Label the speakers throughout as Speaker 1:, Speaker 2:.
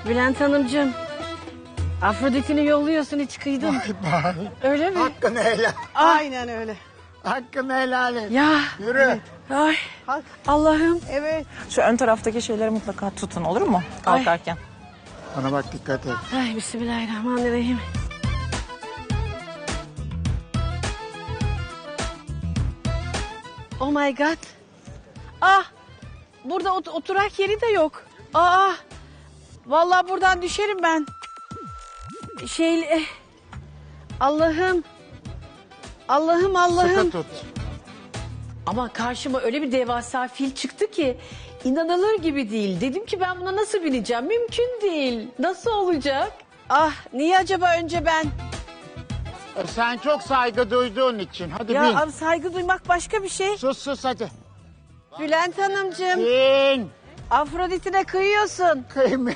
Speaker 1: Bülent Hanımcığım. Afrodit'ini yolluyorsun, hiç kıydın.
Speaker 2: Vay vay.
Speaker 1: Öyle mi?
Speaker 2: Hakkını helal.
Speaker 3: Aynen öyle.
Speaker 2: Hakkını helal et.
Speaker 1: Ya.
Speaker 2: Yürü.
Speaker 1: Ay.
Speaker 3: Hak.
Speaker 1: Allah'ım.
Speaker 3: Evet.
Speaker 4: Şu ön taraftaki şeyleri mutlaka tutun, olur mu? Kalkarken.
Speaker 2: Bana bak, dikkat et.
Speaker 1: Ay, bismillahirrahmanirrahim. Oh my god. Ah. Burada oturak yeri de yok. Aa. Vallahi buradan düşerim ben. Allah'ım. Allah'ım, Allah'ım.
Speaker 2: Sıkı tut.
Speaker 1: Ama karşıma öyle bir devasa fil çıktı ki inanılır gibi değil. Dedim ki ben buna nasıl bineceğim? Mümkün değil. Nasıl olacak? Ah, niye acaba önce ben?
Speaker 2: Sen çok saygı duyduğun için. Hadi
Speaker 1: Ya
Speaker 2: bin.
Speaker 1: abi, saygı duymak başka bir şey.
Speaker 2: Sus hadi.
Speaker 1: Bülent Hanımcığım,
Speaker 2: Bin.
Speaker 1: Afrodit'ine kıyıyorsun.
Speaker 2: Kıymet.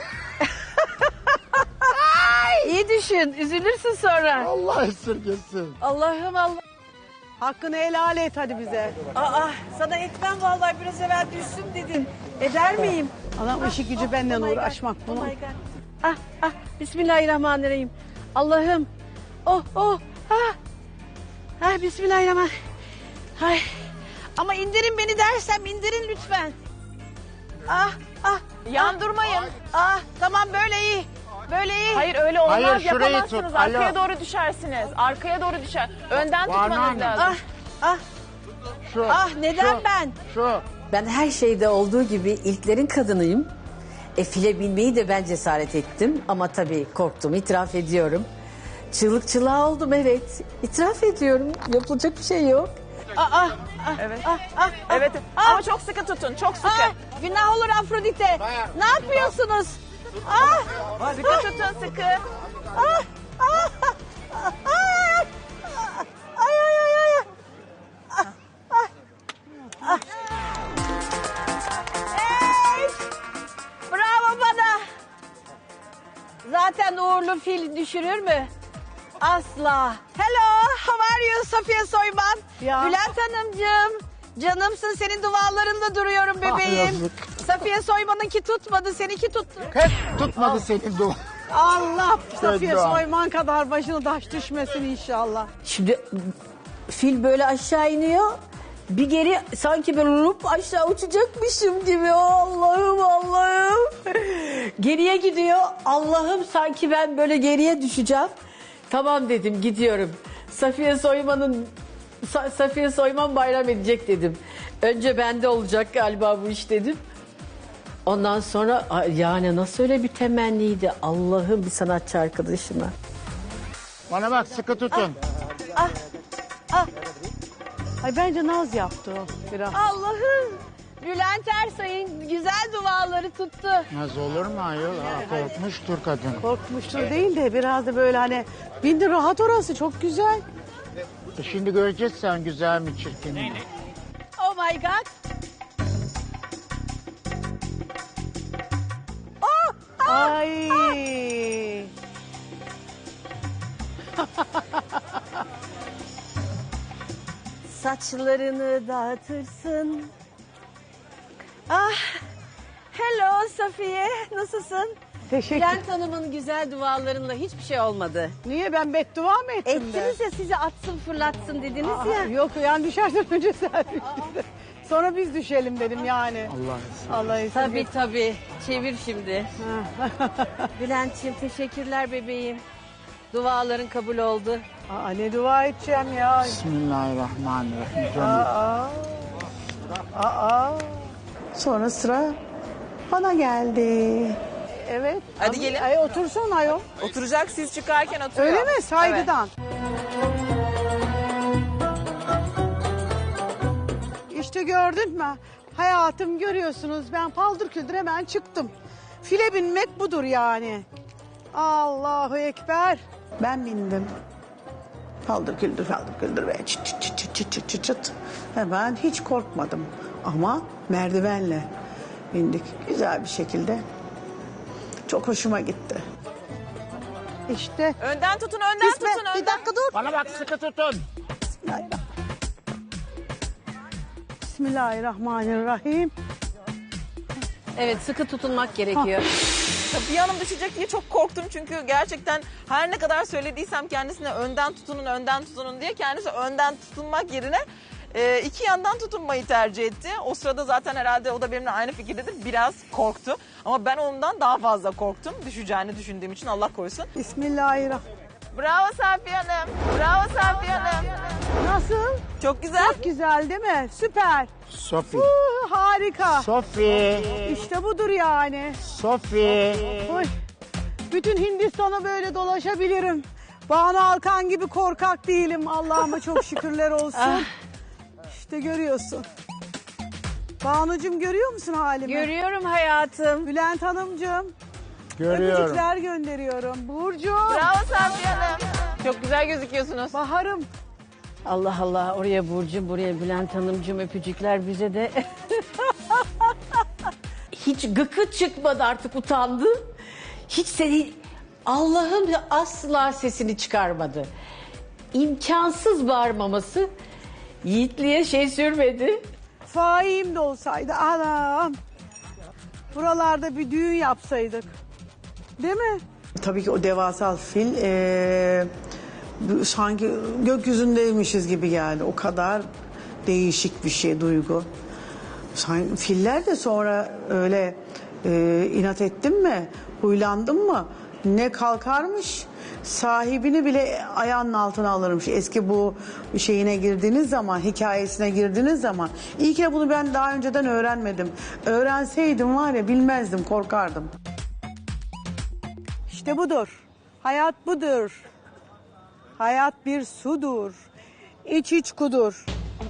Speaker 1: İyi düşün, üzülürsün sonra.
Speaker 2: Allah esirgesin.
Speaker 1: Allah'ım Allah.
Speaker 3: Hakkını helal et hadi bize.
Speaker 1: Aa, sana etmem vallahi, biraz evvel düşsün dedin. Eder miyim?
Speaker 3: Adam işi gücü benden
Speaker 1: Oh my God,
Speaker 3: uğraşmak
Speaker 1: oh
Speaker 3: bunun.
Speaker 1: my God. Ah, ah, bismillahirrahmanirrahim. Allah'ım. Oh, oh, ah. Ah, bismillahirrahmanirrahim. Ay. Ama indirin beni dersem indirin lütfen. Ah, ah.
Speaker 4: Yandırmayın.
Speaker 1: Ah, tamam, böyle iyi. Böyle iyi.
Speaker 4: Hayır öyle olmaz,
Speaker 2: Hayır, şurayı
Speaker 4: yapamazsınız.
Speaker 2: tut,
Speaker 4: Arkaya
Speaker 2: alo.
Speaker 4: doğru düşersiniz. Arkaya doğru düşer. Önden
Speaker 2: Var
Speaker 4: tutmanız
Speaker 2: mı?
Speaker 4: lazım.
Speaker 1: Ah, ah,
Speaker 2: Şu.
Speaker 1: ah, neden
Speaker 2: şu,
Speaker 1: ben?
Speaker 2: Şu.
Speaker 5: Ben her şeyde olduğu gibi ilklerin kadınıyım. File binmeyi de ben cesaret ettim ama tabii korktum, itiraf ediyorum. Çığlık çığlığa oldum, evet. İtiraf ediyorum, yapılacak bir şey yok.
Speaker 1: Ah, ah, ah,
Speaker 4: Evet.
Speaker 1: ah, ah, ah,
Speaker 4: Evet.
Speaker 1: ah.
Speaker 4: Ama çok sıkı tutun, çok sıkı.
Speaker 1: Ah, günah olur Afrodite. Ne yapıyorsunuz? Ah,
Speaker 4: Sıkı tutun, sıkı.
Speaker 1: ah, ah, ah, ah. Ay, ay, ay, ay. Ah, ah, ah. Ey! Bravo bana. Zaten uğurlu fil düşürür mü? Asla. Hello, how are you Safiye Soyman?
Speaker 3: Ya.
Speaker 1: Bülent Hanımcığım. Canımsın, senin dualarında duruyorum bebeğim.
Speaker 2: yazık.
Speaker 1: Safiye Soyman'ınki tutmadı, seninki tuttu.
Speaker 2: Hep tutmadı senin dua.
Speaker 3: Allah Safiye
Speaker 2: Dua.
Speaker 3: Soyman kadar başına taş düşmesin inşallah.
Speaker 5: Şimdi fil böyle aşağı iniyor. Bir geri sanki böyle lup aşağı uçacakmışım gibi. Allah'ım, Allah'ım. Geriye gidiyor. Allah'ım, sanki ben böyle geriye düşeceğim. Tamam dedim, gidiyorum. Safiye Soyman bayram edecek dedim. Önce bende olacak galiba bu iş dedim. Ondan sonra yani nasıl öyle bir temenniydi, Allah'ım, bir sanatçı arkadaşıma.
Speaker 2: Bana bak, sıkı tutun.
Speaker 3: Ay bence naz yaptı o biraz.
Speaker 1: Allah'ım. Bülent Ersoy'un güzel duaları tuttu.
Speaker 2: Naz olur mu ayol? Korkmuştur kadın.
Speaker 3: Korkmuştur değil de biraz da böyle hani bindi rahat, orası çok güzel.
Speaker 2: Şimdi göreceğiz sen güzel mi çirkin mi?
Speaker 1: Oh my God.
Speaker 3: Ay.
Speaker 1: Saçlarını dağıtırsın. Ah. Hello Safiye. Nasılsın?
Speaker 3: Teşekkür.
Speaker 1: Bülent Hanım'ın güzel dualarınla hiçbir şey olmadı.
Speaker 3: Niye, ben beddua mı ettim de?
Speaker 1: Ettiniz ya, sizi atsın fırlatsın dediniz
Speaker 3: Aa,
Speaker 1: ya.
Speaker 3: yok yani düşersen önce sen düştün. Sonra biz düşelim dedim yani.
Speaker 2: Allah
Speaker 3: Allah izin
Speaker 1: Tabii tabii. Çevir şimdi. Bülent'ciğim teşekkürler bebeğim. Duaların kabul oldu.
Speaker 3: Aa, ne dua edeceğim ya.
Speaker 2: Bismillahirrahmanirrahim. Canım.
Speaker 3: Aa. Sonra sıra bana geldi. Evet.
Speaker 4: Hadi gelin.
Speaker 3: Ay, otursun ayol.
Speaker 4: Oturacak, siz çıkarken oturuyor.
Speaker 3: Öyle mi? Saygıdan. İşte gördün mü? Hayatım, görüyorsunuz, ben paldır küldür hemen çıktım. File binmek budur yani. Allahu Ekber. Ben bindim. Paldır küldür ve çıt çıt çıt çıt çıt çıt çıt çıt. Hemen hiç korkmadım. Ama merdivenle bindik güzel bir şekilde. Çok hoşuma gitti. İşte.
Speaker 4: Önden tutun, önden tutun, önden.
Speaker 3: Bir dakika dur.
Speaker 2: Bana bak, sıkı tutun.
Speaker 3: Bismillahirrahmanirrahim.
Speaker 1: Evet, sıkı tutunmak gerekiyor.
Speaker 4: Safiye Hanım düşecek diye çok korktum çünkü gerçekten her ne kadar söylediysem kendisine önden tutunun diye kendisi önden tutunmak yerine iki yandan tutunmayı tercih etti. O sırada zaten herhalde o da benimle aynı fikirdedir. Biraz korktu ama ben ondan daha fazla korktum. Düşeceğini düşündüğüm için Allah korusun.
Speaker 3: Bismillahirrahmanirrahim.
Speaker 4: Bravo Safiye Hanım. Bravo Safiye Hanım.
Speaker 3: Nasıl?
Speaker 4: Çok güzel.
Speaker 3: Güzel değil mi? Süper.
Speaker 2: Sofi.
Speaker 3: Harika.
Speaker 2: Sofi.
Speaker 3: İşte budur yani.
Speaker 2: Sofi.
Speaker 3: Oy. Bütün Hindistan'a böyle dolaşabilirim. Banu Alkan gibi korkak değilim. Allah'ıma çok şükürler olsun. İşte görüyorsun. Banucuğum görüyor musun halimi?
Speaker 1: Görüyorum hayatım.
Speaker 3: Bülent Hanımcığım.
Speaker 2: Görüyorum.
Speaker 3: Öpücükler gönderiyorum. Burcu.
Speaker 4: Bravo Safiye Hanım. Çok güzel gözüküyorsunuz.
Speaker 3: Baharım.
Speaker 1: Allah Allah, oraya Burcu, buraya Bülent Hanımcığım, öpücükler bize de.
Speaker 5: Hiç gıkı çıkmadı, artık utandı. Hiç seni, Allah'ım ya, asla sesini çıkarmadı. İmkansız bağırmaması Yiğitliğe şey sürmedi.
Speaker 3: Faim de olsaydı anam. Buralarda bir düğün yapsaydık. Değil mi?
Speaker 6: Tabii ki o devasal fil sanki gökyüzündeymişiz gibi geldi. O kadar değişik bir şey, duygu. Filler de sonra öyle inat ettin mi, huylandın mı ne kalkarmış, sahibini bile ayağının altına alırmış. Eski bu şeyine girdiğiniz zaman, hikayesine girdiğiniz zaman. İyi ki bunu ben daha önceden öğrenmedim. Öğrenseydim var ya, bilmezdim, korkardım.
Speaker 3: İşte budur. Hayat budur. Hayat bir sudur. İç iç kudur.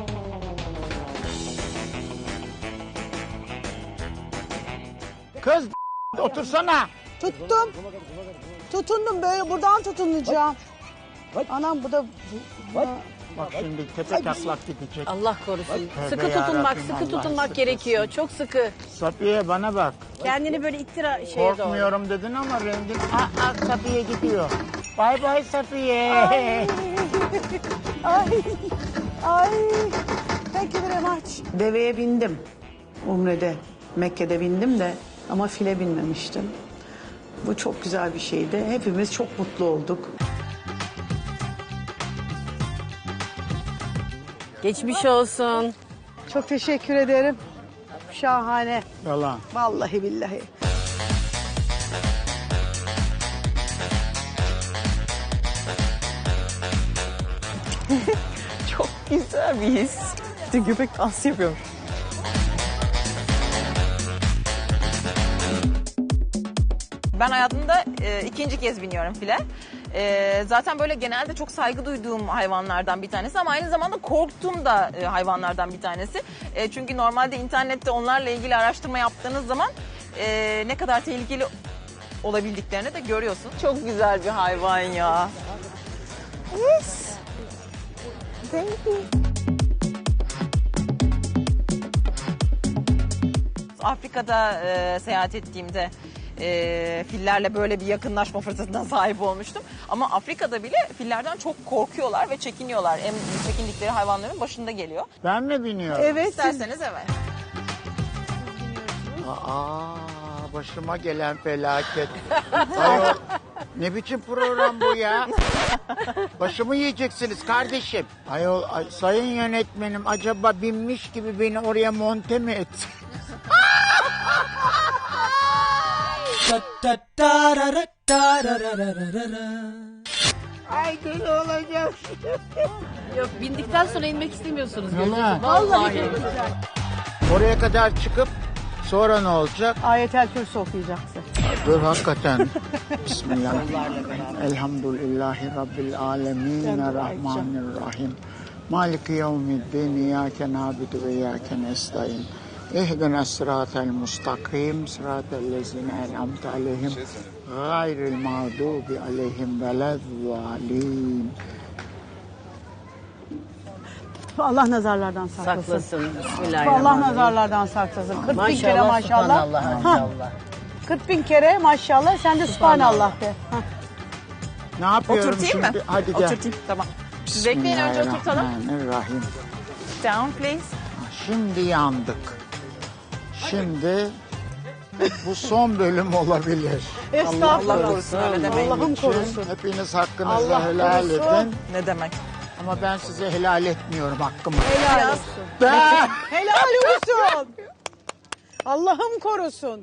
Speaker 2: Kız otursana.
Speaker 3: Tuttum. Tutundum böyle, buradan tutunacağım. Anam bu da...
Speaker 2: Bak şimdi tepe taklak gidecek.
Speaker 1: Allah korusun.
Speaker 2: Tövbe
Speaker 1: Sıkı tutunmak,
Speaker 2: yarabbim,
Speaker 1: sıkı
Speaker 2: Allah
Speaker 1: tutunmak
Speaker 2: sıkı
Speaker 1: gerekiyor. Çok sıkı.
Speaker 2: Safiye bana bak.
Speaker 1: Kendini böyle ittira şeye doğru.
Speaker 2: Korkmuyorum dedin ama rengin... Safiye gidiyor. Bay bay Safiye.
Speaker 3: Ay. Ay. Thank you very much.
Speaker 6: Deveye bindim Umre'de, Mekke'de bindim de ama file binmemiştim. Bu çok güzel bir şeydi. Hepimiz çok mutlu olduk.
Speaker 1: Geçmiş olsun.
Speaker 3: Çok teşekkür ederim. Şahane.
Speaker 2: Yalan.
Speaker 3: Vallahi billahi.
Speaker 4: Çok güzel bir his. İşte köpek dansı yapıyormuş. Ben hayatımda ikinci kez biniyorum file. Zaten böyle genelde çok saygı duyduğum hayvanlardan bir tanesi ama aynı zamanda korktuğum da hayvanlardan bir tanesi. Çünkü normalde internette onlarla ilgili araştırma yaptığınız zaman ne kadar tehlikeli olabildiklerini de görüyorsun. Çok güzel bir hayvan ya. Yes. Thank you. Afrika'da seyahat ettiğimde fillerle böyle bir yakınlaşma fırsatına sahip olmuştum. Ama Afrika'da bile fillerden çok korkuyorlar ve çekiniyorlar. En çekindikleri hayvanların başında geliyor.
Speaker 2: Ben mi biniyorum?
Speaker 3: Evet. siz-
Speaker 4: İsterseniz evet.
Speaker 2: Başıma gelen felaket. Ayol, ne biçim program bu ya? Başımı yiyeceksiniz kardeşim. Ayol, sayın yönetmenim acaba binmiş gibi beni oraya monte mi etsin? Ay deli olacağım.
Speaker 1: Yok, bindikten sonra inmek istemiyorsunuz.
Speaker 2: Yalan.
Speaker 1: Vallahi.
Speaker 2: Oraya kadar çıkıp sonra ne olacak?
Speaker 3: Ayetel Kürsü okuyacaksın.
Speaker 2: Dur hakikaten. Bismillahirrahmanirrahim. Elhamdülillahi Rabbil alemin. Rahmanirrahim. Maliki yevmiddin. İyyâke nâbidu ve iyyâke nestaîn. İhdina sıratel mustakim. Sıratel lezine en'amte aleyhim. Gayril mağdubi aleyhim velezzalîn.
Speaker 3: Allah nazarlardan saklasın.
Speaker 1: Saklasın.
Speaker 3: Allah
Speaker 1: Bismillahirrahmanirrahim.
Speaker 3: nazarlardan saklasın. 40 bin kere
Speaker 1: Maşallah,
Speaker 3: maşallah.
Speaker 1: subhanallah,
Speaker 3: Ha,
Speaker 1: maşallah.
Speaker 3: 40 bin kere maşallah. Sen de subhanallah de. Ha.
Speaker 2: Ne yapıyorum
Speaker 4: Oturtayım
Speaker 2: şimdi?
Speaker 4: mı?
Speaker 2: Hadi gel.
Speaker 4: Oturtayım. Tamam. Siz bekleyin, önce oturtalım.
Speaker 2: Bismillahirrahmanirrahim.
Speaker 4: Down please.
Speaker 2: Şimdi yandık. Şimdi Bu son bölüm olabilir.
Speaker 3: Estağfurullah.
Speaker 4: Allah korusun, öyle demeyin.
Speaker 3: Allah'ım korusun.
Speaker 2: Hepiniz hakkınızı
Speaker 3: Allah
Speaker 2: helal
Speaker 3: korusun.
Speaker 2: edin.
Speaker 4: Ne demek?
Speaker 2: Ama ben size helal etmiyorum hakkımı.
Speaker 3: Helal olsun.
Speaker 2: Ben...
Speaker 3: Helal olsun. Allah'ım korusun.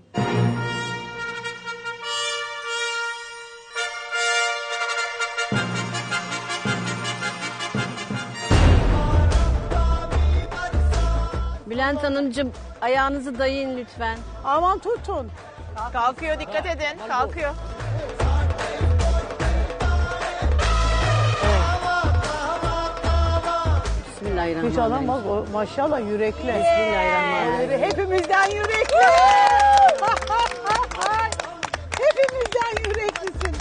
Speaker 1: Bülent Hanımcığım ayağınızı dayayın lütfen.
Speaker 3: Aman tutun.
Speaker 4: Kalkıyor, dikkat edin. Kalkıyor.
Speaker 3: Hiç
Speaker 1: Bismillahirrahmanirrahim.
Speaker 3: adam bak o maşallah yürekli.
Speaker 1: Bismillahirrahmanirrahim.
Speaker 3: Hepimizden yürekli. Hepimizden yüreklisin.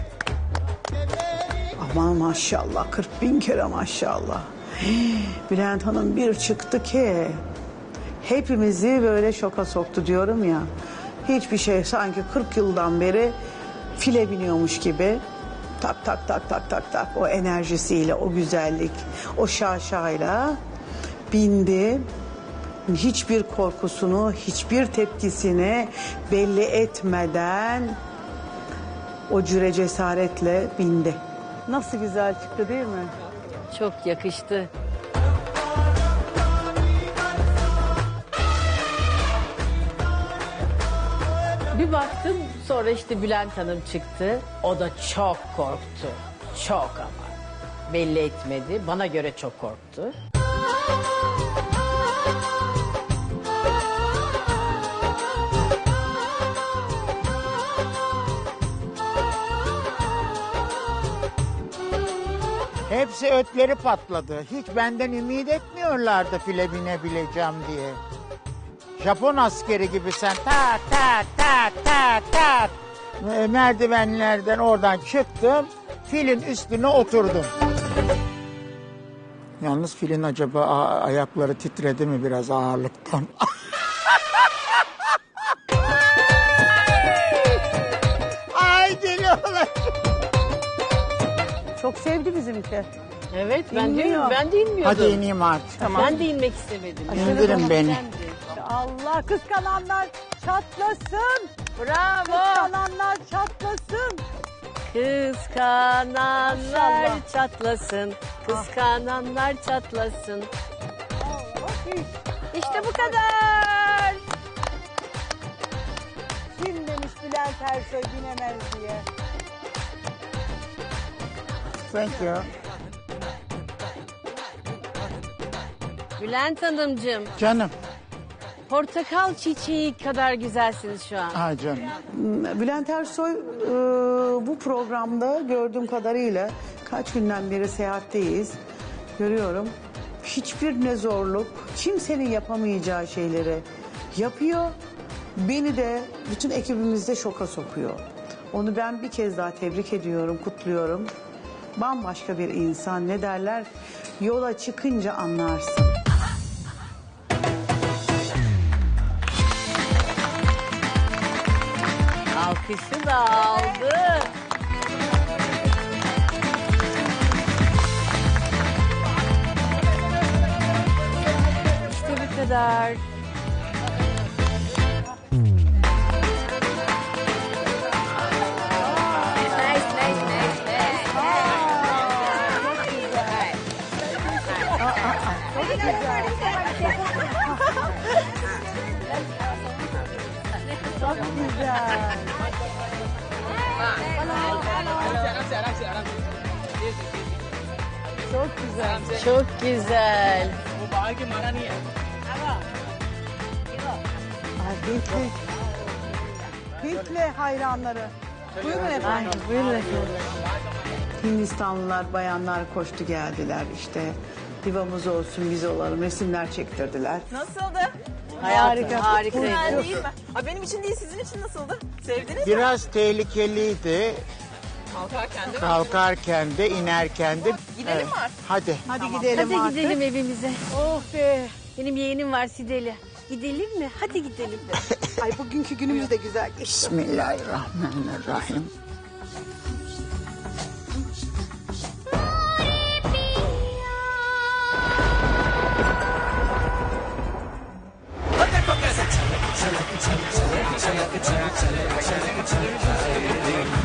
Speaker 3: Aman maşallah 40.000 kere maşallah. Bülent Hanım bir çıktı ki hepimizi böyle şoka soktu diyorum ya. Hiçbir şey sanki 40 yıldan beri file biniyormuş gibi. Tak tak tak tak tak tak o enerjisiyle, o güzellik, o şaşayla bindi. Hiçbir korkusunu, hiçbir tepkisini belli etmeden o cüre cesaretle bindi. Nasıl güzel çıktı değil mi?
Speaker 1: Çok yakıştı. Bir baktım sonra işte Bülent Hanım çıktı. O da çok korktu. Çok ama. Belli etmedi. Bana göre çok korktu.
Speaker 2: Hepsi ötleri patladı. Hiç benden ümit etmiyorlardı file binebileceğim diye. Japon askeri gibi sen tak tak tak tak tak merdivenlerden oradan çıktım. Filin üstüne oturdum. Yalnız filin acaba ayakları titredi mi biraz ağırlıktan? Ay geliyorlar.
Speaker 3: Çok sevdi bizimki.
Speaker 1: Evet ben
Speaker 3: İnmiyor.
Speaker 1: de inmiyordum.
Speaker 2: Hadi ineyim artık.
Speaker 1: Ben de inmek istemedim.
Speaker 2: İndirin beni.
Speaker 3: Allah kıskananlar çatlasın.
Speaker 1: Bravo.
Speaker 3: Kıskananlar çatlasın.
Speaker 1: Kıskananlar
Speaker 3: Maşallah.
Speaker 1: çatlasın. Kıskananlar çatlasın. İşte bu kadar.
Speaker 3: Kim demiş Bülent Ersoy binemez diye.
Speaker 2: Thank you.
Speaker 1: Bülent Hanımcığım,
Speaker 2: Canım.
Speaker 1: portakal çiçeği kadar güzelsiniz şu an.
Speaker 2: Ay canım.
Speaker 6: Bülent Ersoy bu programda gördüğüm kadarıyla kaç günden beri seyahatteyiz. Görüyorum. Hiçbir ne zorluk, kimsenin yapamayacağı şeyleri yapıyor. Beni de bütün ekibimizde şoka sokuyor. Onu ben bir kez daha tebrik ediyorum, kutluyorum. Bambaşka bir insan, ne derler? Yola çıkınca anlarsın.
Speaker 1: Alkışı da aldı. İşte bu kadar.
Speaker 3: Çok güzel. Çok güzel.
Speaker 1: Çok güzel.
Speaker 3: Ay Hintli. Hintli hayranları. Buyurun efendim.
Speaker 1: Buyurun efendim.
Speaker 6: Hindistanlılar, bayanlar koştu geldiler işte. Divamız olsun, biz olalım, resimler çektirdiler.
Speaker 4: Nasıldı?
Speaker 1: Harika. Harika.
Speaker 4: Güzel değil mi? Aa, benim için değil, sizin için nasıldı? Sevdiniz mi?
Speaker 2: Biraz tehlikeliydi.
Speaker 4: Kalkarken değil mi?
Speaker 2: Kalkarken de inerken de.
Speaker 4: Gidelim mi artık?
Speaker 2: Hadi.
Speaker 3: Hadi gidelim
Speaker 1: Hadi
Speaker 3: artık.
Speaker 1: gidelim evimize.
Speaker 3: Oh be.
Speaker 1: Benim yeğenim var Sideli. Gidelim mi? Hadi gidelim.
Speaker 3: Ay bugünkü günümüz de güzel geçti.
Speaker 2: Bismillahirrahmanirrahim.
Speaker 7: चलक चल चले चलक चल